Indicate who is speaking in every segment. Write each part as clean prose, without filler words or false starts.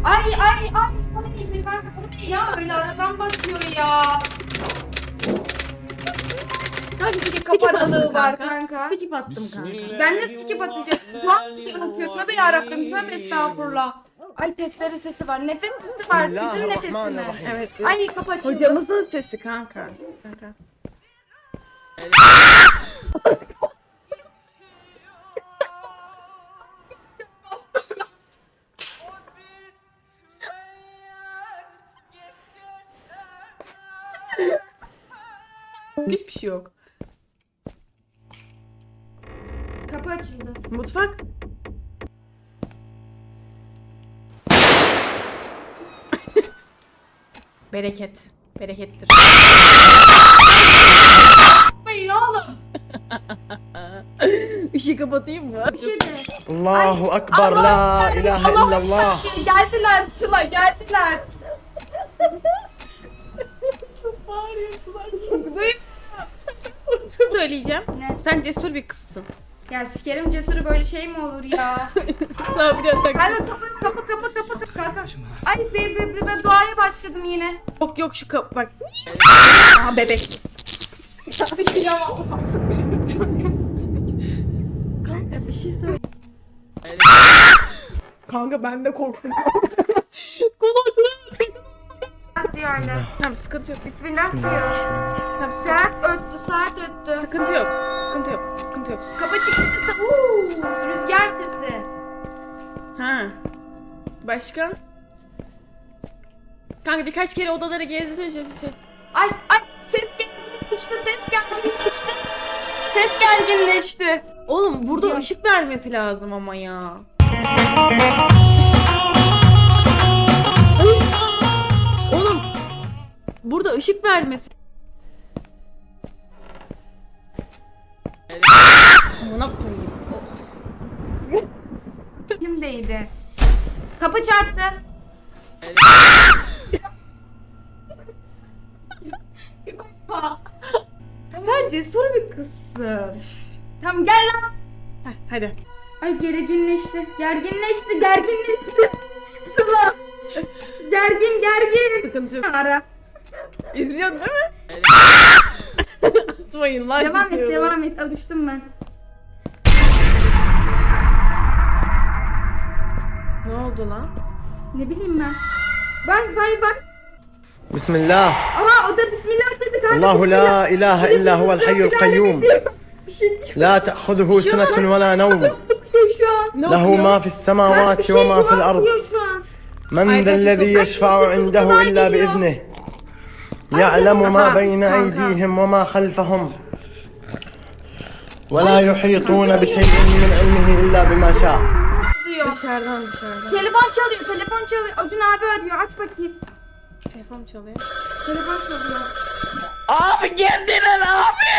Speaker 1: Ay ay ay. Kanka bu ne ya? Öyle aradan bakıyor ya.
Speaker 2: Kanka
Speaker 1: Bir
Speaker 2: skip
Speaker 1: kafa aralığı
Speaker 2: attım
Speaker 1: var
Speaker 2: kanka.
Speaker 1: kanka.
Speaker 2: Skip attım kanka.
Speaker 1: Ben de skip atacağım. Tuhaf diye bakıyor. Tövbe yarabbim. Tövbe estağfurullah. Ay testere sesi var. Nefes sesi var. Bizim nefesi mi?
Speaker 2: Evet.
Speaker 1: Ay kapı açıldı.
Speaker 2: Hocamızın sesi kanka. Kanka. Hiçbir şey yok.
Speaker 1: Kapı açıldı.
Speaker 2: Mutfak. Bereket. Berekettir.
Speaker 1: Hayır oğlum.
Speaker 2: Işığı kapatayım mı?
Speaker 1: Bir şey de.
Speaker 3: Allahu Akbar, la ilahe illallah.
Speaker 1: Geldiler Sıla geldiler.
Speaker 2: Çok bağırıyorlar.
Speaker 1: Duyuyor.
Speaker 2: Söyleyeceğim.
Speaker 1: Ne?
Speaker 2: Sen cesur bir kızsın.
Speaker 1: Ya sikerim cesuru böyle şey mi olur ya?
Speaker 2: Sabri atak.
Speaker 1: Kanka kapı. Kanka. Ay ben duaya başladım yine.
Speaker 2: Yok şu kapı bak. Aha bebek. Kanka bir şey söyle. Kanka ben de korktum. Kulaklarım.
Speaker 1: diyor anne.
Speaker 2: Tamam sıkıntı yok.
Speaker 1: Bismillah diyor.
Speaker 2: Tamam
Speaker 1: Saat öttü.
Speaker 2: sıkıntı yok. Sıkıntı yok.
Speaker 1: Kapı çıktı. Rüzgar sesi.
Speaker 2: Ha. Başka? Kanka birkaç kere odaları gezdirsene şey.
Speaker 1: Ay ses gerginleşti. Ses gerginleşti.
Speaker 2: Oğlum burada ışık vermesi lazım ama ya. Oğlum burada ışık vermesi. Amına koyayım.
Speaker 1: Kimdeydi? Kapı çarptı.
Speaker 2: Sen cesur bir kızsın.
Speaker 1: Tamam gel lan.
Speaker 2: Hadi.
Speaker 1: Ay gerginleşti. Gerginleşti. Sıla. Gergin.
Speaker 2: Sıkıntı yok.
Speaker 1: Ara.
Speaker 2: İzliyorsun değil mi? Atmayın lan.
Speaker 1: Devam et. Alıştım ben.
Speaker 2: Ne oldu lan?
Speaker 1: Ne bileyim ben. Bak.
Speaker 3: Bismillah.
Speaker 1: Aha o da bismillah dedi kanka.
Speaker 3: Allahu
Speaker 1: bismillah.
Speaker 3: la ilahe illa huvel hayyul kayyum.
Speaker 1: Bir şey diyor
Speaker 3: La ta'khuduhu sinetun ve la nevm.
Speaker 1: şu an.
Speaker 2: Ne
Speaker 3: Lehu
Speaker 2: okuyor?
Speaker 3: ma fis semavati ve ma fil ard.
Speaker 1: Diyor şu an.
Speaker 3: من ذا الذي يشفع عنده إلا بإذنه يعلم ما بين أيديهم وما خلفهم ولا يحيطون بشيء من علمه إلا بما شاء.
Speaker 1: Nasıl diyor?
Speaker 2: Dışarıdan.
Speaker 1: Telefon çalıyor. Acun abi arıyor. Aç bakayım.
Speaker 2: Telefon çalıyor.
Speaker 1: Telefon çalıyor.
Speaker 2: Abi geldiler abi.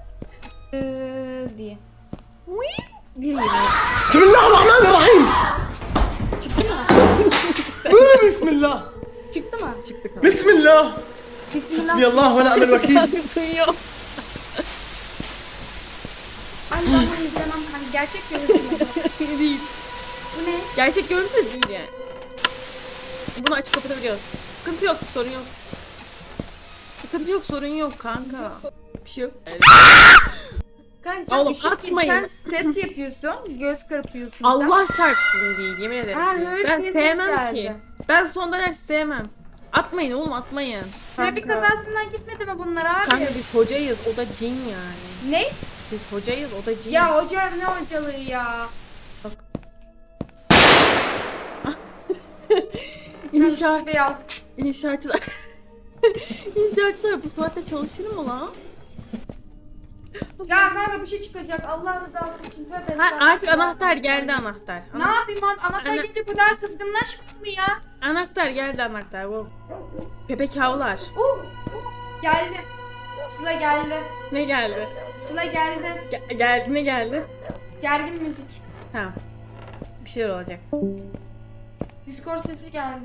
Speaker 1: Diye.
Speaker 2: Değil.
Speaker 3: Bismillahirrahmanirrahim. Bismillah.
Speaker 1: Çıktı mı?
Speaker 2: Çıktı kanka.
Speaker 3: Bismillah.
Speaker 1: Bismillah.
Speaker 3: Hasbiyallah ve ni'mel vekil.
Speaker 2: Duyuyor.
Speaker 1: Ay ben bunu izlemem kanka. Gerçek görüntü.
Speaker 2: Değil.
Speaker 1: Bu ne?
Speaker 2: Gerçek görüntü de değil yani. Bunu açıp kapatabiliyoruz. Sıkıntı yok, sorun yok. Sıkıntı yok, sorun yok kanka. Bir şey yok.
Speaker 1: Kanka sen
Speaker 2: Oğlum,
Speaker 1: ışık
Speaker 2: atmayın.
Speaker 1: Sen ses yapıyorsun. Göz kırpıyorsun sen.
Speaker 2: Allah çarpsın değil, yemin ederim.
Speaker 1: Ha,
Speaker 2: ki.
Speaker 1: hırs
Speaker 2: Ben
Speaker 1: nefes
Speaker 2: sevmem
Speaker 1: geldi.
Speaker 2: ki. Ben son ders sevmem. Atmayın oğlum, atmayın.
Speaker 1: Trafik
Speaker 2: Kanka.
Speaker 1: kazasından gitmedi mi bunlar abi?
Speaker 2: Kanka biz hocayız, o da cin yani.
Speaker 1: Ne?
Speaker 2: Biz hocayız, o da cin.
Speaker 1: Ya hoca ne hocalığı ya?
Speaker 2: Bak.
Speaker 1: İnşaat.
Speaker 2: İnşaatçılar. İnşaatçılar bu saatte çalışır mı lan?
Speaker 1: Ya kanka bir şey çıkacak. Allah rızası için. Tövbe
Speaker 2: Ha,
Speaker 1: estağfurullah.
Speaker 2: artık anahtar geldi anahtar.
Speaker 1: Ne yapayım abi? Anahtar
Speaker 2: Ana-
Speaker 1: gelince bu daha kızgınlaşmıyor mu ya?
Speaker 2: Anahtar geldi anahtar. Bu köpek havlar.
Speaker 1: Geldi. Sıla geldi.
Speaker 2: Ne geldi?
Speaker 1: Sıla geldi.
Speaker 2: Geldi ne geldi?
Speaker 1: Gergin müzik.
Speaker 2: Tamam. Bir şeyler olacak.
Speaker 1: Discord sesi geldi.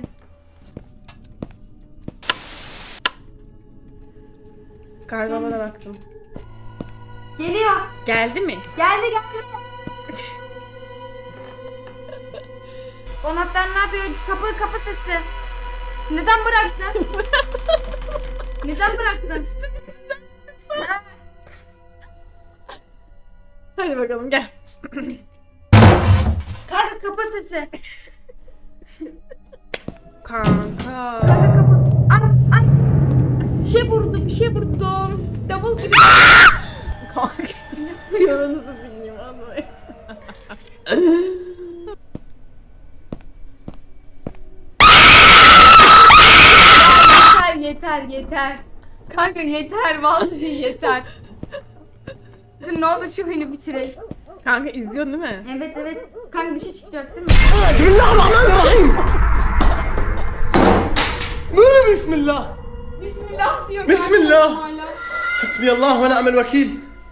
Speaker 2: Karnıma baktım.
Speaker 1: Geliyor.
Speaker 2: Geldi mi?
Speaker 1: Geldi. Anahtar ne yapıyor? Kapı sesi. Neden bıraktın? Neden bıraktın?
Speaker 2: Hadi bakalım gel.
Speaker 1: Kanka kapı sesi.
Speaker 2: Kanka.
Speaker 1: Kanka kapı. Ay. Bir şey vurdum. Davul gibi.
Speaker 2: Kanka. Yalanızı bilmiyorum anlayın.
Speaker 1: Yeter. Kanka yeter vallahi yeter. Dur ne oldu şu oyunu bitirelim.
Speaker 2: Kanka izliyorsun değil mi?
Speaker 1: Evet. Kanka bir şey çıkacak değil mi?
Speaker 3: Bismillahirrahmanirrahim. Bismillah.
Speaker 1: Bismillah diyor.
Speaker 3: Bismillah.
Speaker 1: kanka hala.
Speaker 3: Hasbiyallah ve ni'mel vekil.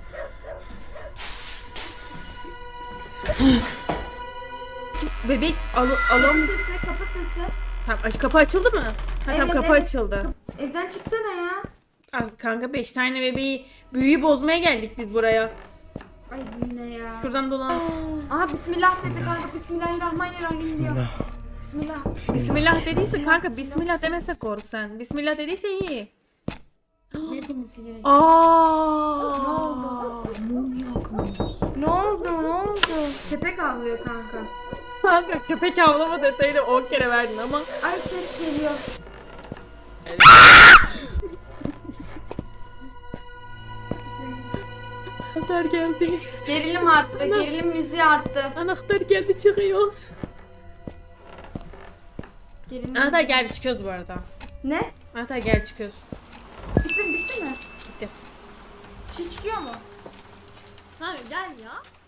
Speaker 2: Bebek
Speaker 1: Kapı
Speaker 2: alım.
Speaker 1: sesi, kapı sesi.
Speaker 2: Tamam, kapı açıldı mı? Ha, tamam, kapı
Speaker 1: Evet.
Speaker 2: açıldı.
Speaker 1: Evden çıksana ya.
Speaker 2: Kanka 5 tane bebeği büyüyü bozmaya geldik biz buraya.
Speaker 1: Ay bu ne ya?
Speaker 2: Şuradan dolan.
Speaker 1: Aha bismillah dedi kanka. Bismillahirrahmanirrahim diyor. Bismillah.
Speaker 2: Bismillah dediyse kanka bismillah demese kork sen. Bismillah dediyse iyi.
Speaker 1: Ne demesi gerek?
Speaker 2: Aa.
Speaker 1: Ne oldu? Ne oldu? Köpek avlıyor kanka.
Speaker 2: Kanka köpek avlama detayını 10 kere verdin ama.
Speaker 1: Ay ses geliyor.
Speaker 2: Anahtar geldi.
Speaker 1: Gerilim arttı. Gerilim müziği arttı.
Speaker 2: Anahtar geldi çıkıyoruz.
Speaker 1: Gerilim
Speaker 2: Anahtar geldi çıkıyoruz bu arada.
Speaker 1: Ne?
Speaker 2: Anahtar geldi çıkıyoruz.
Speaker 1: Bitti mi?
Speaker 2: Bitti.
Speaker 1: Bir şey çıkıyor mu?
Speaker 2: Hani gel ya.